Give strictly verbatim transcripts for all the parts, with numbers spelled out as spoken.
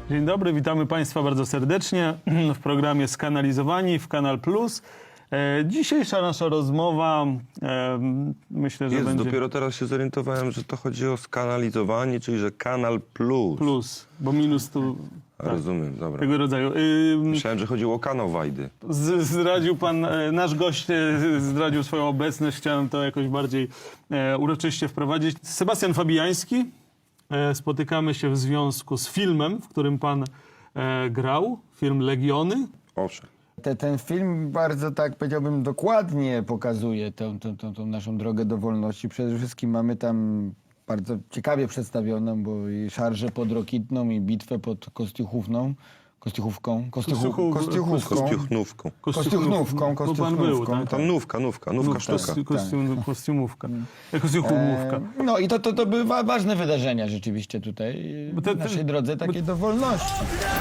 Dzień dobry, witamy Państwa bardzo serdecznie w programie Skanalizowani w Kanal Plus. E, dzisiejsza nasza rozmowa, e, myślę, że Jest, będzie... dopiero teraz się zorientowałem, że to chodzi o skanalizowanie, czyli że Kanal Plus. Plus, bo minus tu... A, rozumiem, dobra. Tego rodzaju. Y, Myślałem, że chodziło o kanał Wajdy. z, zdradził pan, e, nasz gość e, zdradził swoją obecność. Chciałem to jakoś bardziej e, uroczyście wprowadzić. Sebastian Fabiański. E, spotykamy się w związku z filmem, w którym pan e, grał. Film Legiony. Owszem. Te, ten film bardzo, tak powiedziałbym, dokładnie pokazuje tę, tę, tę, tę naszą drogę do wolności. Przede wszystkim mamy tam bardzo ciekawie przedstawioną, bo i szarżę pod Rokitną, i bitwę pod Kostiuchówną. Kostiuchówką. Kostiuchu, Kostiuchu- Kostiuchówką. Kostiuchnówką. Kostiuchnówką, Bo pan był, kostiuchnówką. tak? Tam nówka, nówka, nówka Nówka, sztuka. kosti- kostium, kostiumówka. E, Kostiumówka. E, No i to, to, to były wa- ważne wydarzenia rzeczywiście tutaj Bo te- w te- naszej drodze takiej do wolności.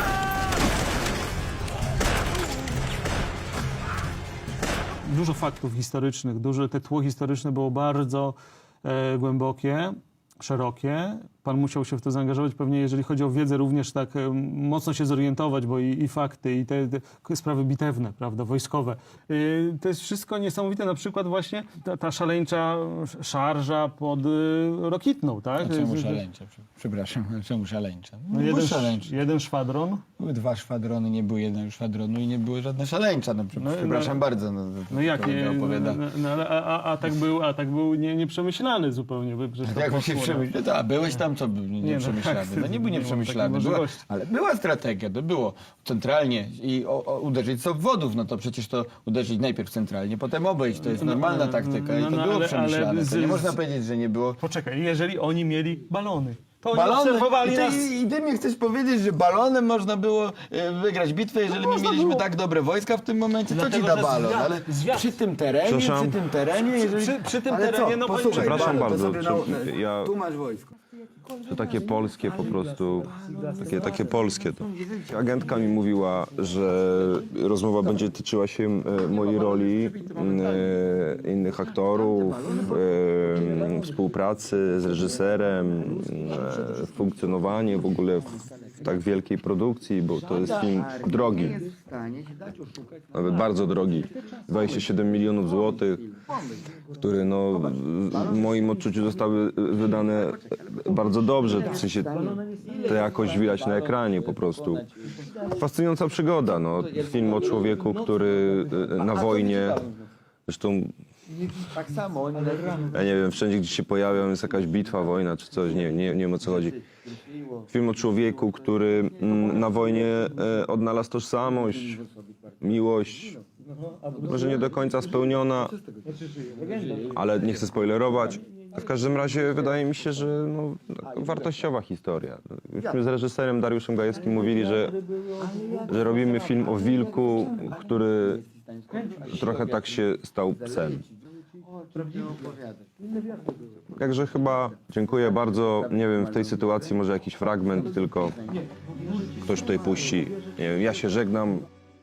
Dużo faktów historycznych, duże te tło historyczne było bardzo e, głębokie, szerokie. Pan musiał się w to zaangażować, pewnie jeżeli chodzi o wiedzę również tak e, mocno się zorientować, bo i, i fakty, i te, te sprawy bitewne, prawda, wojskowe. E, to jest wszystko niesamowite, na przykład właśnie ta, ta szaleńcza szarża pod e, Rokitną, tak? A czemu szaleńcza? Przepraszam, a czemu szaleńcza? No No, jeden, szaleńcza. jeden szwadron. Były dwa szwadrony, nie było jednego szwadronu i nie były żadne szaleńcza. No, No, przepraszam no, bardzo. No, No jak, kolega nie, no, opowiada. no, no, ale a, a, a tak był, a tak był nie, nieprzemyślany zupełnie. By, przecież to Jak się poszło, no. przemyślał? To, a byłeś tam, co był nie, Nie, no nieprzemyślany? tak, No nie był nie mam nieprzemyślany, takiej była, możliwości. ale była strategia, to było centralnie i o, o, uderzyć z obwodów, no to przecież to uderzyć najpierw centralnie, potem obejść, to jest No, normalna no, taktyka i no, to no, było ale- przemyślane, ale to nie z- można z- powiedzieć, że nie było. Poczekaj, jeżeli oni mieli balony, to oni Balony, obserwowali i, ty, nas. i ty mi chcesz powiedzieć, że balonem można było e, wygrać bitwę, jeżeli my można mieliśmy było. tak dobre wojska w tym momencie, co ci Dlatego, da że balon? zwiat- Ale zwiat- przy tym terenie, Przepraszam. przy tym terenie, jeżeli... Przy- przy tym Ale terenie, co? no, Posłuchaj, Przepraszam balon, to bardzo, sobie czy- na- ja- Tu masz wojsko. To takie polskie po prostu, takie, takie polskie to. Agentka mi mówiła, że rozmowa będzie tyczyła się e, mojej roli, e, innych aktorów, e, współpracy z reżyserem, e, funkcjonowanie w ogóle w, w tak wielkiej produkcji, bo to jest film drogi, nawet bardzo drogi, dwadzieścia siedem milionów złotych, które no, w moim odczuciu zostały wydane bardzo dobrze, w sensie to jakoś widać na ekranie po prostu. Fascynująca przygoda, no. Film o człowieku, który na wojnie, zresztą Tak samo. ja nie wiem, wszędzie gdzie się pojawiam jest jakaś bitwa, wojna czy coś, nie, nie, nie wiem o co chodzi. Film o człowieku, który mm, na wojnie e, odnalazł tożsamość, miłość, może nie do końca spełniona, ale nie chcę spoilerować. W każdym razie wydaje mi się, że no, taka wartościowa historia. Myśmy z reżyserem Dariuszem Gajewskim mówili, że, że robimy film o wilku, który trochę tak się stał psem. Także chyba dziękuję bardzo. Nie wiem, w tej sytuacji może jakiś fragment tylko ktoś tutaj puści. Nie wiem, ja się żegnam.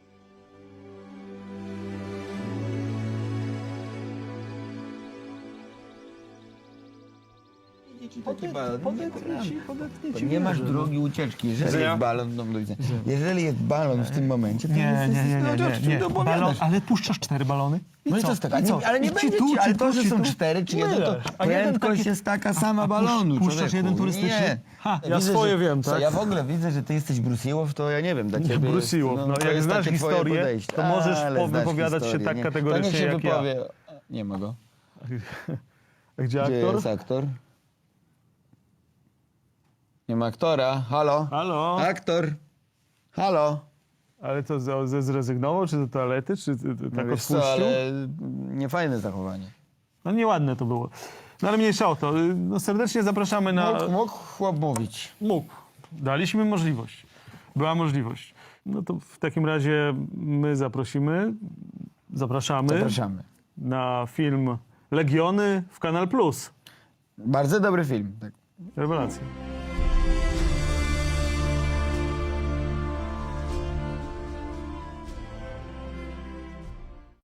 Nie masz drogi ucieczki. Jeżeli jest balon, no, do widzenia. Jeżeli jest balon w tym momencie, to Nie, jest, nie, nie, nie, nie, nie. To Balon, ale puszczasz cztery balony? I No i co? to jest taka, I co? ale nie I będzie ci tu, ci, ci ale tu, to, że ci są tu. cztery czy jeden, to Myleż. A jeden prędkość taki- jest taka A- sama a pusz- balonu. puszczasz człowieku. jeden turystyczny? Nie. Ha, ja Widzę, swoje że- wiem, co, tak? Ja w ogóle widzę, że ty jesteś Brusiłow, to ja nie wiem, dla ciebie Bruce jest, Willis. No, to jak jest znasz takie twoje historię, podejście. to możesz Ale znasz wypowiadać się historię, tak nie? kategorycznie To niech się jak ja. wypowie. Nie ma go. A gdzie Gdzie aktor? jest aktor? Nie ma aktora. Halo? Halo? Aktor? Halo? Ale to ze, ze zrezygnował, czy do toalety, czy ty- ty- tak No wiesz co, odpuścił? ale niefajne zachowanie. No nieładne to było. No ale mniejsza o to. No, serdecznie zapraszamy na... Mógł, mógł chłop mówić. Mógł. Daliśmy możliwość. Była możliwość. No to w takim razie my zaprosimy, zapraszamy, Zapraszamy. na film Legiony w Kanal Plus. Bardzo dobry film. Tak. Rewelacja.